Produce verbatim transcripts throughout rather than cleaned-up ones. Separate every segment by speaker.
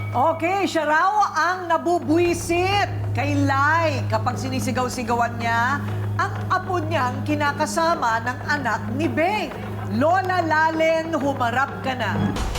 Speaker 1: Okay, siya raw ang nabubwisit kay Lai kapag sinisigaw-sigawan niya ang apo niyang kinakasama ng anak ni Beng. Lola Lalen, humarap ka na.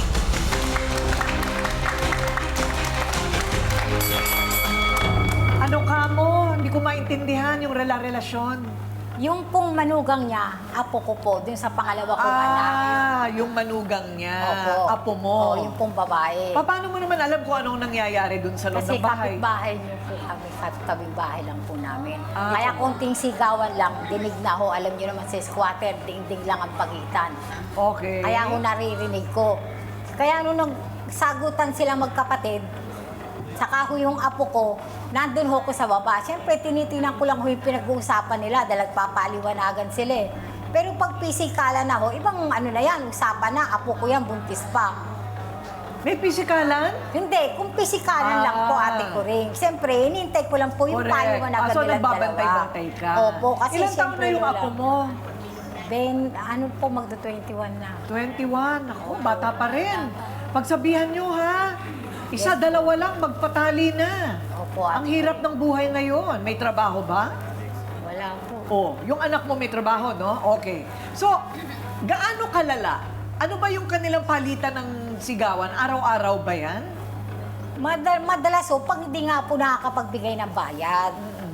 Speaker 1: Ano ka mo? Hindi ko maintindihan yung rela-relasyon.
Speaker 2: Yung pong manugang niya, apo ko po, dun sa pangalawa kong anak.
Speaker 1: Ah, yung manugang niya,
Speaker 2: Opo.
Speaker 1: apo mo.
Speaker 2: Oo, yung pong babae.
Speaker 1: Pa- Paano mo naman alam kung anong nangyayari dun sa loob
Speaker 2: Kasi
Speaker 1: ng bahay?
Speaker 2: kapitbahay niyo po kami, kapit bahay lang po namin.
Speaker 1: Ah,
Speaker 2: Kaya
Speaker 1: okay.
Speaker 2: konting sigawan lang, dinig na ho, alam niyo naman sa squatter, ding-ding lang ang pagitan.
Speaker 1: Okay.
Speaker 2: Kaya ho naririnig ko. Kaya nung nagsagutan sila magkapatid, saka ho yung apo ko, nandun ho ko sa baba. Siyempre, tinitinan ko lang ho yung pinag-uusapan nila dahil nagpapaliwanagan sila eh. Pero pag pisikala na ho, ibang ano na yan, usapan na, apo ko yan, buntis pa.
Speaker 1: May pisikalan?
Speaker 2: Hindi, kung pisikalan
Speaker 1: Ah.
Speaker 2: lang po, ate ko rin. Siyempre, hinihintay ko lang po yung
Speaker 1: Correct.
Speaker 2: paliwanagan
Speaker 1: Ah, so
Speaker 2: nilang
Speaker 1: nagbabantay-bantay ka.
Speaker 2: Opo, kasi
Speaker 1: Ilan taon
Speaker 2: siyempre
Speaker 1: na yung
Speaker 2: wala.
Speaker 1: apo mo?
Speaker 2: Ben, ano po, magdo twenty-one na.
Speaker 1: twenty-one. Ako, bata pa rin. Pagsabihan nyo, ha? Isa, dalawa lang, magpatali na.
Speaker 2: Opo,
Speaker 1: Ang
Speaker 2: ate.
Speaker 1: hirap ng buhay ngayon. May trabaho ba?
Speaker 2: Wala po.
Speaker 1: Oh, yung anak mo may trabaho, no? Okay. So, gaano kalala? Ano ba yung kanilang palitan ng sigawan? Araw-araw ba yan?
Speaker 2: Madal madalas ho, pag hindi nga po nakakapagbigay ng bayad,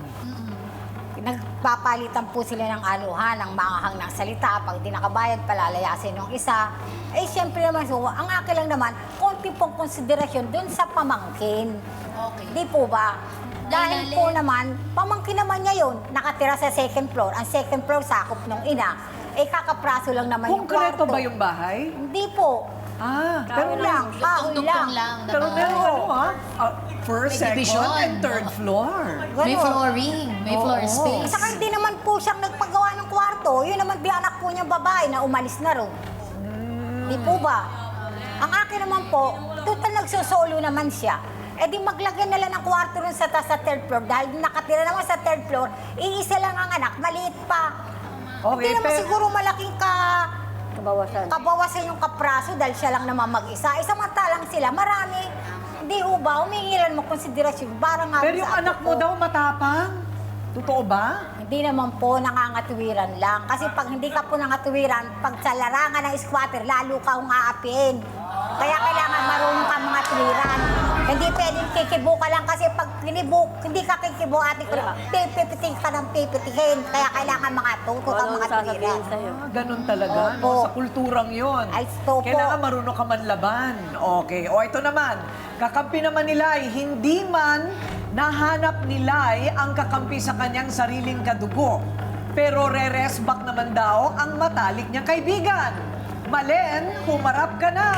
Speaker 2: nagpapalitan po sila ng anuhan, ng mahahang ng salita. Pag di nakabayad, palalayasin ng isa. Eh, siyempre naman, so, ang akin lang naman, konti pong konsiderasyon dun sa pamangkin.
Speaker 3: Okay.
Speaker 2: Di po ba? Dahil
Speaker 3: Dahil-
Speaker 2: po naman, pamangkin naman niya yun, nakatira sa second floor. Ang second floor, sakop ng ina. Eh, kakapraso lang naman yung
Speaker 1: Konkreto
Speaker 2: kwarto.
Speaker 1: ba yung bahay?
Speaker 2: Hindi po.
Speaker 1: Ah,
Speaker 2: Pero lang, kahoy
Speaker 3: Tugtog
Speaker 2: lang.
Speaker 3: lang na
Speaker 1: pero
Speaker 3: bahay.
Speaker 1: meron ano, ha? Ah, first,
Speaker 3: May
Speaker 1: second,
Speaker 3: division.
Speaker 1: and third floor.
Speaker 3: May
Speaker 2: Ganun.
Speaker 3: flooring, may floor
Speaker 1: Oo.
Speaker 3: space.
Speaker 2: Saka hindi naman po siyang nagpagawa ng kwarto. Yun naman di anak po niyang babae na umalis na rin. Di po ba? Ang akin naman po, total nagsusolo naman siya. Eh di maglagay na lang ng kwarto rin sa, sa third floor. Dahil nakatira naman sa third floor, iisa lang ang anak, maliit pa.
Speaker 1: Okay,
Speaker 2: Hindi naman
Speaker 1: pero-
Speaker 2: siguro malaking ka... Kabawasan. Kabawasan yung kapraso dahil siya lang naman mag-isa. Eh samantalang sila, marami. Hindi ho ba? Humingilan mo konsiderasyon. Parang nga
Speaker 1: Pero
Speaker 2: sa
Speaker 1: yung
Speaker 2: apo
Speaker 1: anak mo
Speaker 2: ko.
Speaker 1: daw matapang. Totoo ba?
Speaker 2: Hindi naman po nangangatwiran lang. Kasi pag hindi ka po nangatwiran, pag sa larangan ng squatter, lalo ka kung aapiin. Kaya kailangan marunong ka mga twiran. Hindi pwedeng kikibo ka lang kasi pag kinibo, hindi ka kikibo, ate ko, pipipiting ka ng pipitihin. Kaya kailangan mga tuto ka mga twiran.
Speaker 1: Ah, ganun talaga. No?
Speaker 2: Opo.
Speaker 1: Sa kulturang yon.
Speaker 2: Ay, opo.
Speaker 1: Kailangan marunong ka man laban. Okay. O ito naman, kakampi naman ni Lai, hindi man nahanap ni Lai ang kakampi sa kanyang sariling kadugo. Pero re-resback naman daw ang matalik niyang kaibigan. Malen, humarap ka na!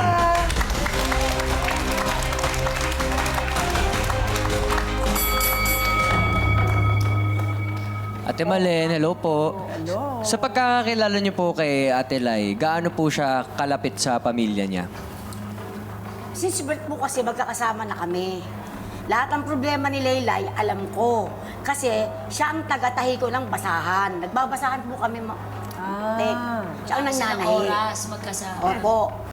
Speaker 4: Ate Malen, hello po.
Speaker 1: Hello.
Speaker 4: Sa pagkakakilala niyo po kay Ate Lai, gaano po siya kalapit sa pamilya niya?
Speaker 5: Since birth po kasi magkakasama na kami. Lahat ng problema ni Laylay, alam ko. Kasi siya ang taga-tahi ko ng basahan. Nagbabasahan po kami, ma-
Speaker 1: Ah.
Speaker 5: Tek. Siya ang
Speaker 3: Kasi ng
Speaker 5: nananahi.
Speaker 3: oras, magkasama.
Speaker 5: Opo.